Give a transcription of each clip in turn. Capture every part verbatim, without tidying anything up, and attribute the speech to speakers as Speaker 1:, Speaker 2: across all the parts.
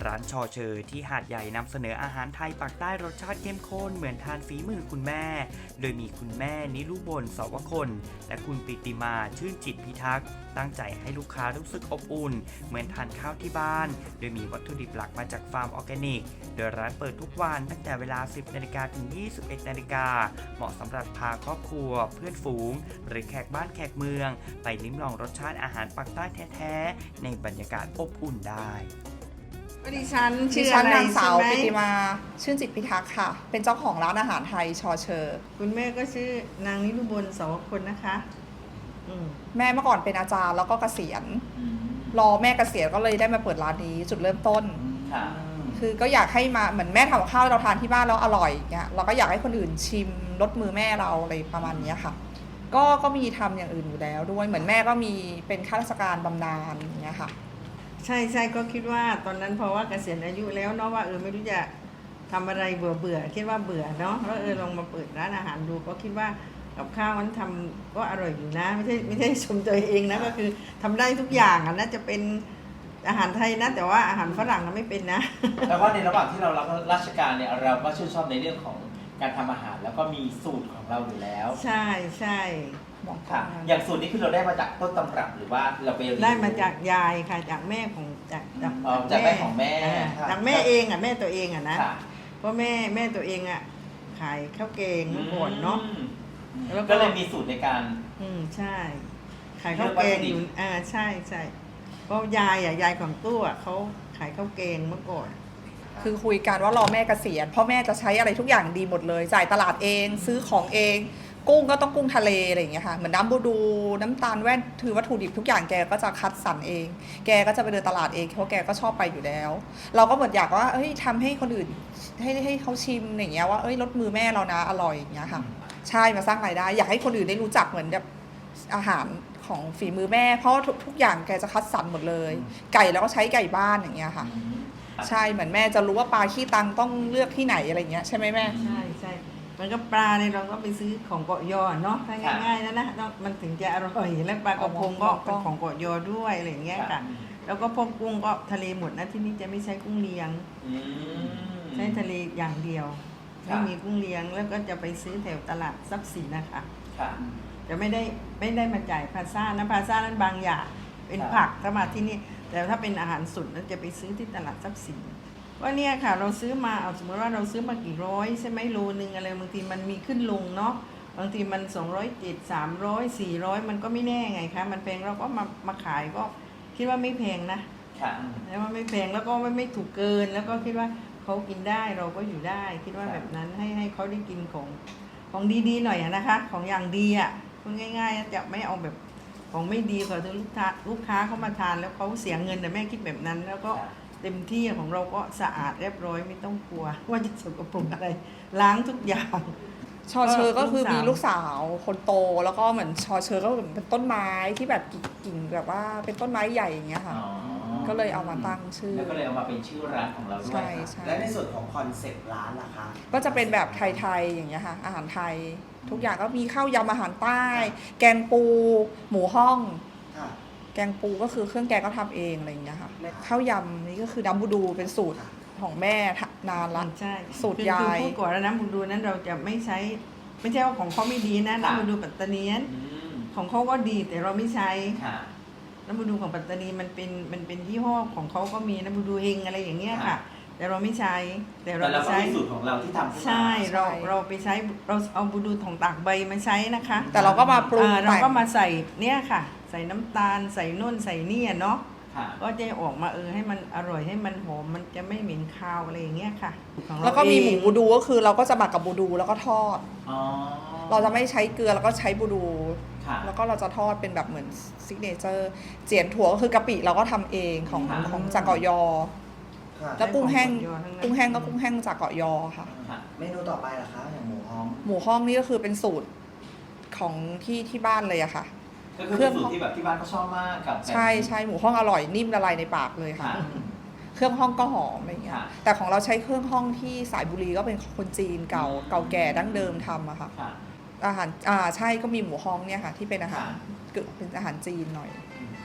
Speaker 1: ร้านชอเชอที่หาดใหญ่นำเสนออาหารไทยปักใต้รสชาติเข้มข้นเหมือนทานฝีมือคุณแม่โดยมีคุณแม่นิรุบลสวคนและคุณปิติมาชื่นจิตพิทักษ์ตั้งใจให้ลูกค้ารู้สึกอบอุ่นเหมือนทานข้าวที่บ้านโดยมีวัตถุดิบหลักมาจากฟาร์มออร์แกนิกโดยร้านเปิดทุกวันตั้งแต่เวลา สิบนาฬิกา ถึง ยี่สิบเอ็ดนาฬิกาเหมาะสำหรับพาครอบครัวเพื่อนฝูงหรือแขกบ้านแขกเมืองไปลิ้มลองรสชาติอาหารปักใต้แท้ๆในบรรยากาศอบอุ่นได้
Speaker 2: ดิฉัน
Speaker 3: ดิ
Speaker 2: ชื่อ
Speaker 3: ฉั
Speaker 2: อะ
Speaker 3: น
Speaker 2: ไร
Speaker 3: นางสา
Speaker 2: ใช่
Speaker 3: ว
Speaker 2: ไหม
Speaker 3: ปิติมาชื่นจิตพิทักษ์ค่ะเป็นเจ้าของร้านอาหารไทยชอเชอ
Speaker 2: คุณแม่ก็ชื่อนางนิรุบลสวคนนะคะอืม
Speaker 3: แม่เมื่อก่อนเป็นอาจารย์แล้วก็เกษียณรอแม่เกษียณก็เลยได้มาเปิดร้านนี้จุดเริ่มต้นคือก็อยากให้มาเหมือนแม่ทำกับข้าวเราทานที่บ้านแล้วอร่อยเงี้ยเราก็อยากให้คนอื่นชิมรสมือแม่เราอะไรประมาณนี้ค่ะก็ก็มีทำอย่างอื่นอยู่แล้วด้วยเหมือนแม่ก็มีเป็นข้าราชการบำนาญอย่างเงี้ยค่ะ
Speaker 2: ใช่ใช่ก็คิดว่าตอนนั้นเพราะว่าเกษียณอายุแล้วเนาะว่าเออไม่รู้จะทำอะไรเบื่อเบื่อคิดว่าเบื่อเนาะแล้วเออลองมาเปิดร้านอาหารดูก็คิดว่ากับข้าวมันทำก็อร่อยอยู่นะไม่ใช่ไม่ใช่ชมตัวเองนะก็คือทำได้ทุกอย่างอ่ะน่าจะเป็นอาหารไทยนะแต่ว่าอาหารฝรั่งน่ะไม่เป็นนะ
Speaker 4: แต่ว่าในระหว่างที่เรารับราชการเนี่ยเราก็ชื่นชอบในเรื่องของการทำอาหารแล้วก็มีสูตรของเราอยู่แล้ว
Speaker 2: ใช่ใช่
Speaker 4: ค่ะอย่างสูตรนี้คือเราได้มาจากต้นตำรับหรือว่าเราไป
Speaker 2: ได้มาจากยายค่ะจากแม่ของจากจาก
Speaker 4: จากแม่ของแม่
Speaker 2: จากแม่เองอ่ะแม่ตัวเองอ่ะนะเพราะแม่แม่ตัวเองอ่ะขายข้าวแกงเมื่อก่อนเนาะ
Speaker 4: ก็เลยมีสูตรในการ
Speaker 2: อืมใช่ขายข้าวแกงอยู่อ่าใช่ใช่เพราะยายอ่ะยายของตู้อ่ะเขาขายข้าวแกงเมื่อก่อน
Speaker 3: คือคุยกันว่ารอแม่เกษียณพ่อแม่จะใช้อะไรทุกอย่างดีหมดเลยจ่ายตลาดเองซื้อของเองกุ้งก็ต้องกุ้งทะเลอะไรอย่างเงี้ยค่ะเหมือนน้ำบูดูน้ำตาลแว่นถือวัตถุดิบทุกอย่างแกก็จะคัดสรรเองแกก็จะไปเดินตลาดเองเพราะแกก็ชอบไปอยู่แล้วเราก็เหมือนอยากว่าเฮ้ยทำให้คนอื่นให้ให้เขาชิมอย่างเงี้ยว่าเอ้ยรสมือแม่เรานะอร่อยอย่างเงี้ยค่ะใช่มาสร้างรายได้อยากให้คนอื่นได้รู้จักเหมือนแบบอาหารของฝีมือแม่เพราะทุกทุกอย่างแกจะคัดสรรหมดเลยไก่แล้วก็ใช้ไก่บ้านอย่างเงี้ยค่ะใช่เหมือนแม่จะรู้ว่าปลาขี้ตังต้องเลือกที่ไหนอะไรเงี้ยใช่ไหมแม่
Speaker 2: ใช่ใช่มันก็ปลาเนี่ยเราก็ไปซื้อของเกาะยอเนาะง่ายๆนะนะมันถึงจะอร่อยและปลากระพงก็เป็นของเกาะยอด้วยอะไรอย่างเงี้ยค่ะแล้วก็พวกกุ้งก็ทะเลหมดนะที่นี่จะไม่ใช้กุ้งเลี้ยงใช้ทะเลอย่างเดียวไม่มีกุ้งเลี้ยงแล้วก็จะไปซื้อแถวตลาดทรัพย์สินนะคะจะไม่ได้ไม่ได้มาจ่ายพาซ่านะพาซ่านั้นบางอย่างเป็นผักถ้ามาที่นี่แต่ถ้าเป็นอาหารสดนั้นจะไปซื้อที่ตลาดทรัพย์สินว่าเนี่ยค่ะเราซื้อมาเอาสมมติว่าเราซื้อมากี่ร้อยใช่ไหมโลนึงอะไรบางทีมันมีขึ้นลงเนาะบางทีมันสองร้อยเจ็ดสามร้อยสี่ร้อยมันก็ไม่แน่ไงคะมันแพงเราก็มามาขายก็คิดว่าไม่แพงนะแล้วว่าไม่แพงแล้วก็ไม่ไม่ถูกเกินแล้วก็คิดว่าเขากินได้เราก็อยู่ได้คิดว่าแบบนั้นให้ให้เขาได้กินของของดีๆหน่อยนะคะของอย่างดีอ่ะพูดง่ายๆจะไม่เอาแบบของไม่ดีพอถึงลูกค้าลูกค้าเขามาทานแล้วเขาเสียเงินแต่แม่คิดแบบนั้นแล้วก็เต็มที่ของเราก็สะอาดเรียบร้อยไม่ต้องกลัวว่าจะสกปรกอะไรล้างทุกอย่าง
Speaker 3: ชอเชอก็คือมีลูกสาวคนโตแล้วก็เหมือนชอเชอก็เหมือนเป็นต้นไม้ที่แบบกิ่งแบบว่าเป็นต้นไม้ใหญ่อย่างเงี้ยค่ะก็เลยเอามาตั้งชื่อ
Speaker 4: แล้วก็เลยเอามาเป็นชื่อร้านของเราด้วย
Speaker 5: และในส่วนของคอนเซ็ปต์ร้านล่ะคะ
Speaker 3: ก็จะเป็นแบบไทยๆอย่างเงี้ยค่ะอาหารไทยทุกอย่างก็มีข้าวยำอาหารใต้แกงปูหมูห้องแกงปูก็คือเครื่องแกงก็ทำเองอะไรอย่างเงี้ยค่ะข้าวยำนี่ก็คือน้ำบูดูเป็นสูตรของแม่นานละ
Speaker 2: ใช่
Speaker 3: สูตรยาย
Speaker 2: พูดก่อนแล้วน้ำบูดูนั้นเราจะไม่ใช้ไม่ใช่ว่าของเขาไม่ดีนะน้ำบูดูปัตตานีของเขาก็ดีแต่เราไม่ใช้น้ำบูดูของปัตตานีมันเป็นมันเป็นยี่ห้อของเขาก็มีน้ำบูดูเฮงอะไรอย่างเงี้ยค่ะแต่เราไม่ใช้
Speaker 4: แต่เราใช้สูตรของเราที่ทำ
Speaker 2: ใช่เราเราไปใช้เราเอาบูดูของตากใบมาใช้นะคะ
Speaker 3: แต่เราก็มาปรุง
Speaker 2: เราก็มาใส่เนี่ยค่ะใส่น้ำตาลใส่นุ่นใส่นี่เนาะก็จะออกมาเออให้มันอร่อยให้มันหอมมันจะไม่เหม็นคาวอะไรอย่างเงี้ยค่ะ
Speaker 3: แล้วก็มีหมูบูดูก็คือเราก็จะหมักกับบูดูแล้วก็ทอดเราจะไม่ใช้เกลือแล้วก็ใช้บูดูแล้วก็เราจะทอดเป็นแบบเหมือนซิกเนเจอร์เจียนถั่วก็คือกะปิเราก็ทำเองของของจากเกาะยอแล้วกุ้งแห้งกุ้งแห้งก็กุ้งแห้งจากเกาะยอค่ะ
Speaker 5: เมนูต่อไปล่ะคะอย่างหมูฮ้อง
Speaker 3: หมูฮ้องนี่ก็คือเป็นสูตรของที่ที่บ้านเลยอะค่ะ
Speaker 4: เครื่องสูตรที่แบบที่บ้านก็ชอบมากกับ
Speaker 3: ใช่ใช่หมูฮ้องอร่อยนิ่มละลายในปากเลยค่ะเครื่องห้องก็หอมอะไรเงี้ยแต่ของเราใช้เครื่องห้องที่สายบุรีก็เป็นคนจีนเก่าเก่าแก่ดั้งเดิมทำอะค่ะอาหารอ่าใช่ก็มีหมูฮ้องเนี่ยค่ะที่เป็นอาหารเป็นอาหารจีนหน่อย
Speaker 2: เอ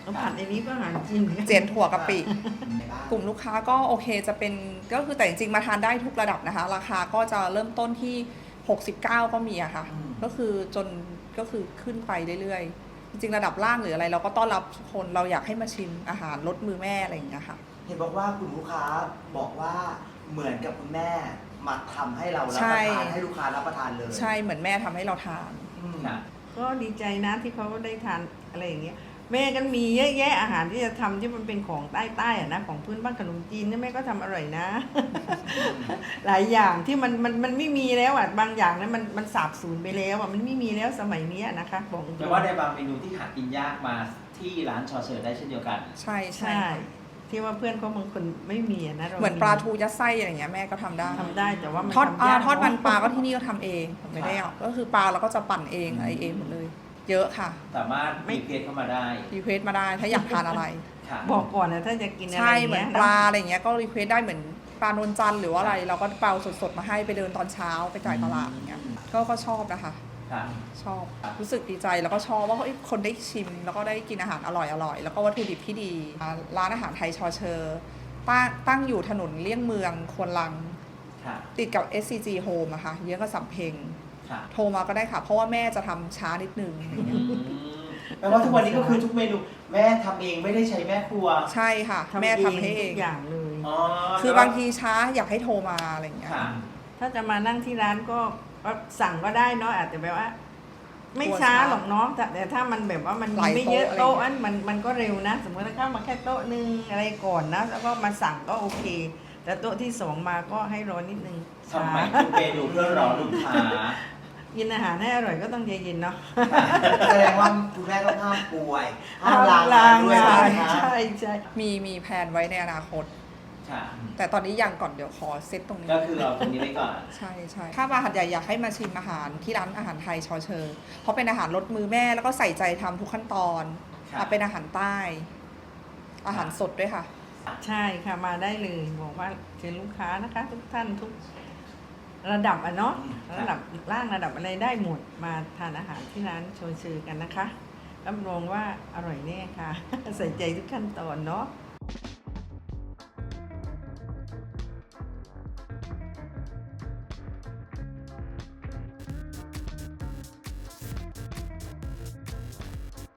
Speaker 2: แล้วผัดในนี้ก็อาหารจีนหมือนน
Speaker 3: เจียนถั่วกะปิ
Speaker 5: ในบ้าน
Speaker 3: กลุ่มลูกค้าก็โอเคจะเป็นก็คือแต่จริงๆมาทานได้ทุกระดับนะคะ ราคาก็จะเริ่มต้นที่หกสิบเก้าก็มีอะค่ะ ก็คือจนก็คือขึ้นไปเรื่อยๆ จริงๆระดับล่างหรืออะไร เราก็ต้อนรับทุกคนเราอยากให้มาชิมอาหารรสมือแม่อะไรอย่างเงี้ยค่ะ
Speaker 5: เห็นบอกว่าคุณลูกค้าบอกว่าเหมือนกับคุณแม่มาทำให้เรารับ
Speaker 3: ใช่
Speaker 5: ประทานให้ลูกค้ารับประทานเลย
Speaker 3: ใช่เหมือนแม่ทำให้เราทาน
Speaker 5: อืม
Speaker 4: ค่ะ
Speaker 2: ก็ดีใจนะที่เขาได้ทานอะไรอย่างเงี้ยแม่กันมีเยอะแยะอาหารที่จะทำที่มันเป็นของใต้ๆอ่ะนะของพื้นบ้านขนมจีนเนี่ยแม่ก็ทำอร่อยนะ หลายอย่างที่มันมันมันไม่มีแล้วอ่ะบางอย่างนั้นมันมันสาบสูญไปแล้วอ่ะมันไม่มีแล้วสมัยนี้นะคะบอกตรงๆ
Speaker 4: แต่ว่าในบางเมนูที่หากินยากมาที่ร้านชอเชอร์ได้เช่นเดียวกัน
Speaker 3: ใช่ใช่
Speaker 2: ใช่ที่ว่าเพื่อนเขาบางคนไม่มีอะนะร
Speaker 3: เหมือนปลาทูยัดไส้อะไรอย่างเงี้ยแม่ก็ทำได้
Speaker 2: ทำได้แต่ว่ามัน
Speaker 3: ทอด
Speaker 2: ทำ
Speaker 3: อ่าย
Speaker 2: าก
Speaker 3: ทอดมันปลาก็
Speaker 2: เนอะ
Speaker 3: ที่นี่ก็ทำเองไม่ได้เอาก็คือปลาเราก็จะปั่นเองอะไรเองหมดเลย เยอะค่ะ
Speaker 4: สามารถรีเควสเข้ามาได้
Speaker 3: รีเควสมาได้ถ้าอยากทานอะไร
Speaker 4: ค่ะ
Speaker 2: บอกก่อนนะถ้าจะกินอะไร
Speaker 3: ใช่
Speaker 2: ย่าง
Speaker 3: เหมือ
Speaker 2: งี้
Speaker 3: น
Speaker 2: ย
Speaker 3: ปลาอะไรอย่างเงี้ยก็รีเควสได้เหมือนปลานวลจันทร์หรือว่าอะไร เราก็เปาสดๆมาให้ไปเดินตอนเช้าไปจ่ายตลาดอย่างเงี้ยก็ก็ชอบนะคะ
Speaker 4: ค่ะ
Speaker 3: ชอบรู้สึกดีใจแล้วก็ชอบว่าเฮ้ยคนได้ชิม แล้วก็ได้กินอาหารอร่อยอร่อยแล้วก็วัตถุดิบที่ดีอ่าร้านอาหารไทยชอเชอร์ตั้งตั้งอยู่ถนนเลี่ยงเมืองควนลัง
Speaker 4: ค่ะ
Speaker 3: ติดกับ เอส ซี จี Home อะค่ะเยื้องกับสำเพ็ง
Speaker 4: ค่ะ
Speaker 3: โทรมาก็ได้ค่ะ เพราะว่าแม่จะทำช้านิดนึงอะไร
Speaker 4: อื
Speaker 3: เงี้ย
Speaker 4: มแปลว่าทุกวันนี้ก็คือทุกเมนูแม่ทำเองไม่ได้ใช้แม่ครัว
Speaker 3: ใช่ค่ะ แม่ทำให้เอ
Speaker 2: ทุ
Speaker 3: ง
Speaker 2: กอย่างเลย
Speaker 4: อ๋อ
Speaker 3: คือบางทีช้าอยากให้โทรมาอะไรเงี้ย
Speaker 4: ค่ะ
Speaker 2: ถ้าจะมานั่งที่ร้านก็ก็สั่งก็ได้เนาะอาจจะแบบว่า ไม่
Speaker 3: กลัว
Speaker 2: ช้า
Speaker 3: ช้า
Speaker 2: หรอกเนาะแต่แต่ถ้ามันแบบว่ามัน
Speaker 3: หลาย
Speaker 2: ไม่เยอะ
Speaker 3: โต๊ะอะไร
Speaker 2: โต๊ะ
Speaker 3: เงี้ย
Speaker 2: อันมันมันก็เร็วนะ สมมติถ้าเข้ามาแค่โต๊ะหนึงอะไรก่อนนะ แล้วก็มาสั่งก็โอเค แต่โต๊ะที่สองมาก็ให้รอนิดนึง
Speaker 4: ทำใหม่ทุกเมนูเพื่อรอลูกค้า
Speaker 2: กินอาหารให้อร่อยก็ต้องใจเย็นเนาะ
Speaker 5: แสดงว่าคุณแม่ต้องห้ามป่วยห้ามลางาน
Speaker 2: ลาง
Speaker 5: ด้วย
Speaker 2: งาน
Speaker 5: นะคะ
Speaker 2: ใช่ใช่
Speaker 3: มีมีแผนไว้ในอนาคต
Speaker 4: ค่ะ
Speaker 3: แต่ตอนนี้ยังก่อนเดี๋ยวขอเซตตรงนี้
Speaker 4: ก็คือเราตรงนี้ไว้ก่อน
Speaker 3: ใช่ใช่ถ้ามาหัดใหญ่อยากให้มาชิมอาหารที่ร้านอาหารไทยชอเชอร์เพราะเป็นอาหารรสมือแม่แล้วก็ใส่ใจทำทุกขั้นตอน
Speaker 4: ครับ
Speaker 3: อ่ะเป็นอาหารใต้ อาหารสดด้วยค่ะ
Speaker 2: ใช่ค่ะมาได้เลยบอกว่าเชิญลูกค้านะคะ ทุกท่านทุกระดับอ่ะเนาะ
Speaker 4: ครับ
Speaker 2: ระดับล่างระดับอะไรได้หมดมาทานอาหารที่ร้านโชยชื่อกันนะคะรับรองว่าอร่อยแน่ค่ะ ใส่ใจทุกขั้นตอนเนาะ
Speaker 4: ค